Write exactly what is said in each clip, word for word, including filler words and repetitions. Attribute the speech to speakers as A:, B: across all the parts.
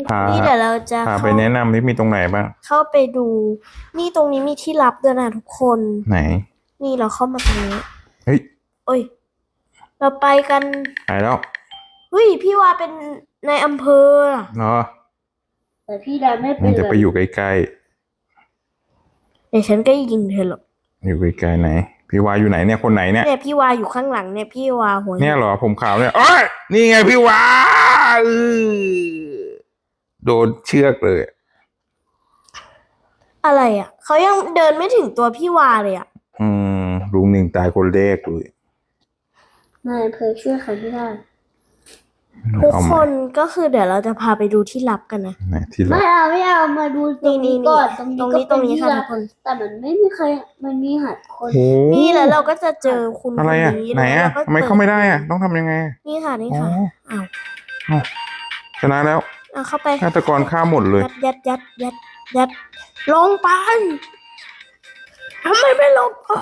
A: พา
B: นี่เดี๋ยวเราจะ
A: พาไปแนะนำที่มีตรงไหนบ้าง
B: เข้าไปดูนี่ตรงนี้มีที่ลับด้วยนะทุกคน
A: ไหน
B: นี่เราเข้ามาตรงนี้
A: เฮ้ย
B: โอ้ยเราไปกัน
A: ไปแล้ว
B: เฮ้ยพี่วาเป็นในอำเภอ
A: เนาะ
B: แต่พี่ดาไม่เป็น
A: จะไปอยู่ใกล้
B: ๆเดี๋ยวฉันก็ยิงเธอหรอก
A: อยู่ใกล้ๆไหนพี่วาอยู่ไหนเนี่ยคนไหนเนี่ย
B: เนี่ยพี่วาอยู่ข้างหลังเนี่ยพี่วาหัว
A: เนี่ยเหรอผมขาวเนี่ยโอ้ยนี่ไงพี่วาโดนเชือกเลย
B: อะไรอ่ะเขายังเดินไม่ถึงตัวพี่วาเลยอ่ะ
A: อืมลุงหนึ่งตายคนแรกเลย
B: นายอำเภอช่วยใครไม่ได้ทุกคนก็คือเดี๋ยวเราจะพาไปดูที่ลับกันนะ
A: ที่ลับ
B: ไม่เอาไม่เอามาดูตรงนี้ก่อนตรงนี้ตรงนี้ค่ะทุกคนแต่มันไม่มีใครมันมีหัดคนนี่แล้วเราก็จะเจอคุณ
A: อะไรอ่ะไหนอ่ะทำไมเข้าไม่ได้อ่ะต้องทำยังไง
B: นี่ค่ะนี่ค่ะอ้าว
A: ชนะแล้ว
B: เอาเข้าไป
A: ฆาตกรฆ่าหมดเลย
B: ยัดยัดยัดยัดลงไปทำไมไม่ลงไป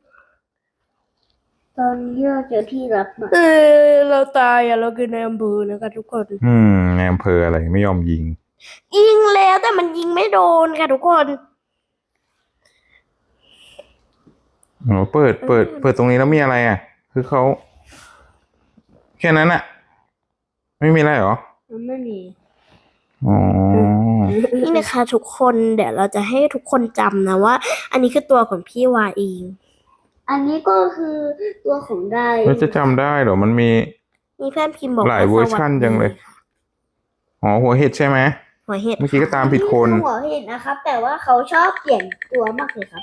B: ตอนนี้เราเจอที่รับมาเออเราตายอ่ะเราคือในอำเภอนะคะทุกคน
A: อืมในอำเภออะไรไม่ยอมยิง
B: ยิงแล้วแต่มันยิงไม่โดนค่ะทุกคน
A: โอ้เปิดเปิดเปิดตรงนี้แล้วมีอะไรอ่ะคือเขาแค่นั้นอ่ะไม่มีอะไรหรอ
B: ไม่มี
A: อ๋อ
B: นี่นะคะทุกคนเดี๋ยวเราจะให้ทุกคนจำนะว่าอันนี้คือตัวของพี่วาเองอันนี้ก็คือตัวของได้
A: เราจะจำได้เหรอมันมี
B: มีเพื่อนพิมพ์บอก
A: หลายเวอร์ชันจังเลยอ๋อหัวเห็ดใช่ไหม
B: หัวเห็ด
A: เมื่อกี้ก็ตามผิดคน
B: หัวเห็ดนะครับแต่ว่าเขาชอบเปลี่ยนตัวมากเลยครับ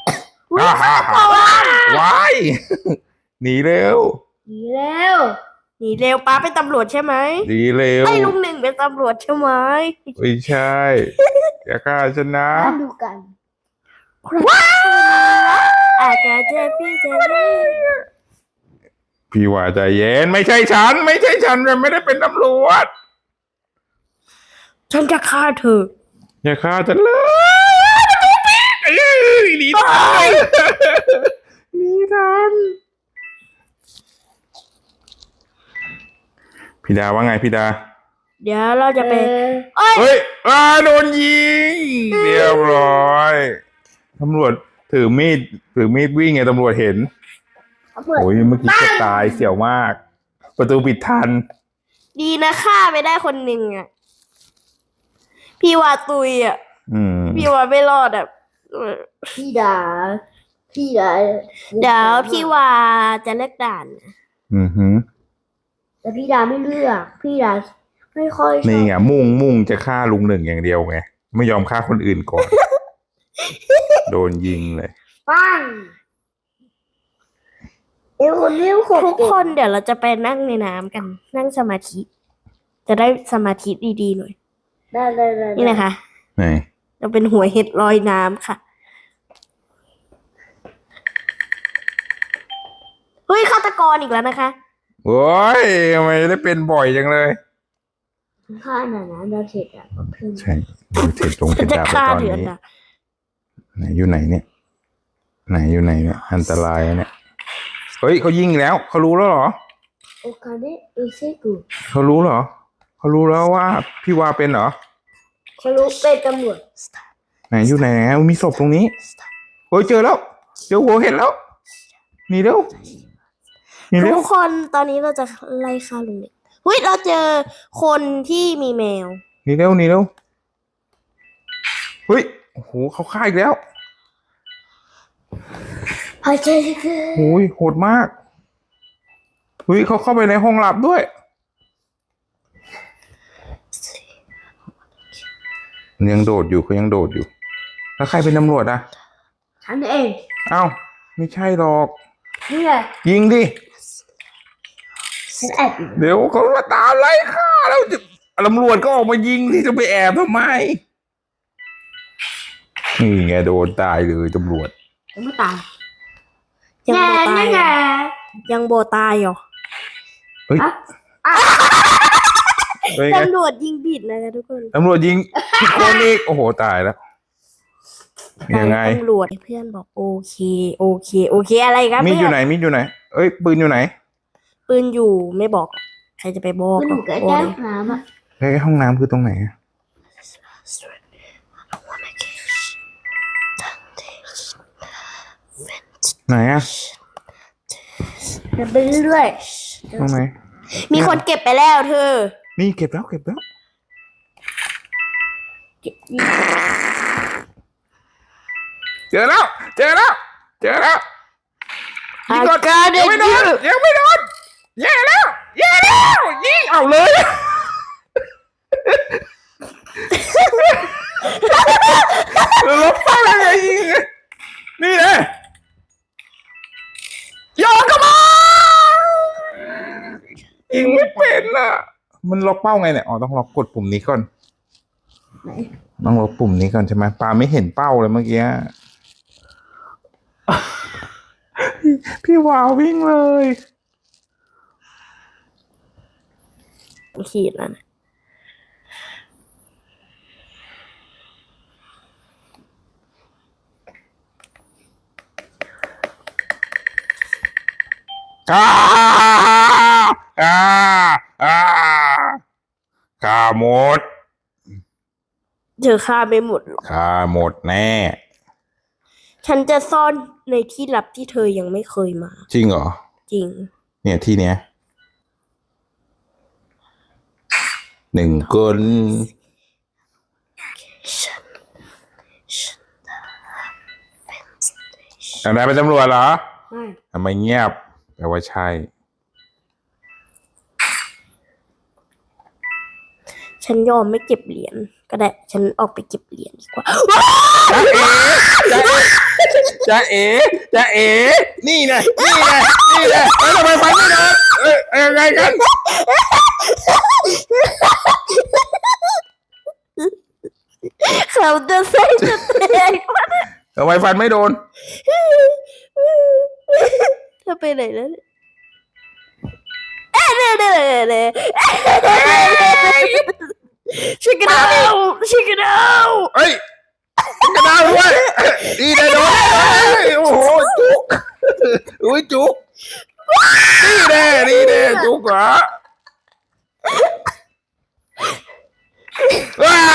A: ว้ายหนีเร็ว
B: หนีเร็วหนีเร็วป้าเป็นตำรวจใช่ไหม
A: หนีเร็ว
B: ไอ้ลุงหนึ่งเป็นตำรวจใช่ไหม
A: ไม่ใช่อย่าฆ่าฉันนะ
B: มาดูกันว้าอาจจะเจอพี่เจอพี่
A: พี่ว่าใจเย็นไม่ใช่ฉันไม่ใช่ฉันไม่ได้เป็นตำรวจ
B: ฉันจะฆ่าเธอ
A: อย่าฆ่าฉันเลยหนีทันหนีทันพี่ดาว่าไงพี่ดา
B: เดี๋ยวเราจะไป
A: เฮ้ยอ่าโดนยิงเรียบร้อยตำรวจถือมีดถือมีดวิ่งไงตำรวจเห็นโอ้ยเมื่อกี้จะตายเสี่ยวมากประตูปิดทัน
B: ดีนะฆ่าไปได้คนหนึ่งอ่ะพี่วาตุยอ่ะพี่วาไม่รอดอ่ะพี่ดาพี่ดาเดี๋ยวพี่วาจะเลิกด่าน
A: อือฮึ
B: แต่พี่ดาไม่เลือกพี่ดาไม่ค่อย
A: นี่ไงมุ่งมุ่งจะฆ่าลุงหนึ่งอย่างเดียวไงไม่ยอมฆ่าคนอื่นก่อน โดนยิงเลย
B: ปังทุกคนเดี๋ยวเราจะไปนั่งในน้ำกันนั่งสมาธิจะได้สมาธิดีๆหน่อยได้ได้ได้นี่นะคะ
A: ไหน
B: เราเป็นหัวเห็ดลอยน้ำค่ะเฮ้ยฆาตกรอีกแล้วนะคะ
A: โอ้ยทำไมได้เป็นบ่อยจังเลย
B: ฆ่าหน่อยนะเราเสร็จอ่ะ
A: ใช่เราเสร็จตรงเป็นดาบตอนนี้ไหนอยู่ไหนเนี่ยไหนอยู่ไหนเนี่ยอันตรายเนี่ยเฮ้ยเขายิงแล้วเขารู้แล้วเหรอ
B: โอเคได้เอเซกู
A: เขารู้เหรอเขารู้แล้วว่าพี่วาเป็นเหรอ
B: เขารู้เป็นตำรวจ
A: ไหนอยู่ไหนมีศพตรงนี้เฮ้ยเจอแล้วเจอหัวเห็นแล้วหนีเร็ว
B: ทุกคนตอนนี้เราจะไล่ฆ่าลุงเนี่ยเฮ้ยเราเจอคนที่มีแมว
A: หนีเร็วหนีเร็วเฮ้ยโอ้โหเขาฆ่าอีกแล้ว
B: พอใจคือ
A: โอ้ยโหดมากเฮ้ยเขาเข้าไปในห้องลับด้วยยังโดดอยู่เขายังโดดอยู่แล้วใครเป็นตำรวจอ่ะ
B: ฉันเอง
A: เอ้าไม่ใช่หรอก
B: นี่ไง
A: ยิงดิ
B: ฉันแอบ
A: เดี๋ยวเขามาตามไล่ฆ่าแล้วตำรวจก็ออกมายิงที่จะไปแอบทำไมนี่ไงโดนตายเลยตำรวจ
B: ยังไม่ตายยังโบตายยังโบตายเหรอ
A: เฮ้ย
B: ตำรวจยิงผิดนะคะทุกคน
A: ตำรวจยิงผิดคนอีกโอ้โหตายแล้วยังไง
B: ตำรวจเพื่อนบอกโอเคโอเคโอเคอะไรครับ
A: มีดอยู่ไหนมีดอยู่ไหนเอ้ยปืนอยู่ไหน
B: ปืนอยู่ไม่บอกใครจะไปบอก
A: ใกล้ห้องน้ำอ่ะใกล้ห้องน้ำคือตรงไหนไหนอะ
B: เดินไปเรื่อย
A: ตรงไหน
B: ๆมีคนเก็บไปแล้วเธอ
A: นี่เก็บแล้วเก็บแล้ว เจอแล้ว เจอแล้ว เจอแล้ว
B: I got
A: ยังไม่โดน
B: it
A: ยังไม่โดนแย่แล้วแย่แล้วยิงเอาเลยลบเป้าอะไรยิงนี่เลยโยนเข้ามายิงไม่เป็นอ่ะมันล็อกเป้าไงเนี่ยอ๋อต้องล็อกกดปุ่มนี้ก่อนต้องล็อกปุ่มนี้ก่อนใช่ไหมปาไม่เห็นเป้าเลยเมื่อกี้พี่วาววิ่งเลย
B: ขีดแล้วนะ
A: อ่าอ่าอ่าฆ่าหมด
B: เธอฆ่าไม่หมดหรอก
A: ฆ่าหมดแน่
B: ฉันจะซ่อนในที่ลับที่เธอยังไม่เคยมา
A: จริงเหรอ
B: จริง
A: เนี่ยที่เนี้ยหนึ่งคน
B: ฉัน
A: อะไรเป็นตำรวจเหรอ
B: ไม่
A: ทำไมเงียบแปลว่าใช่
B: ฉันยอมไม่เก็บเหรียญก็ได้ ฉันออกไปเก็บเหรียญดีกว่า
A: จะเอ๋จะเอ๋นี่ไงนี่ไงนี่ไงเอ้ยทำไมฟันไม่โดนเอ้ยเอ้ยยังไงกัน
B: เขาจะใส่จะแตกมา
A: ทำไมฟันไม่โดน
B: เธอไปไหนแล้วเนี่ยเอ๊ะเน่เน่เน่ชิคกี้พายชิคกี้พาย
A: เอ้ยกระดาวด้วยดีได้โดนโอ้โหจุกอุ้ยจุกนี่แน่นี่แน่จุกเหรอว้า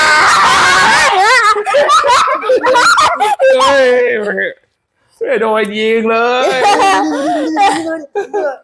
A: เฮ้ยไม่โดนยิงเลย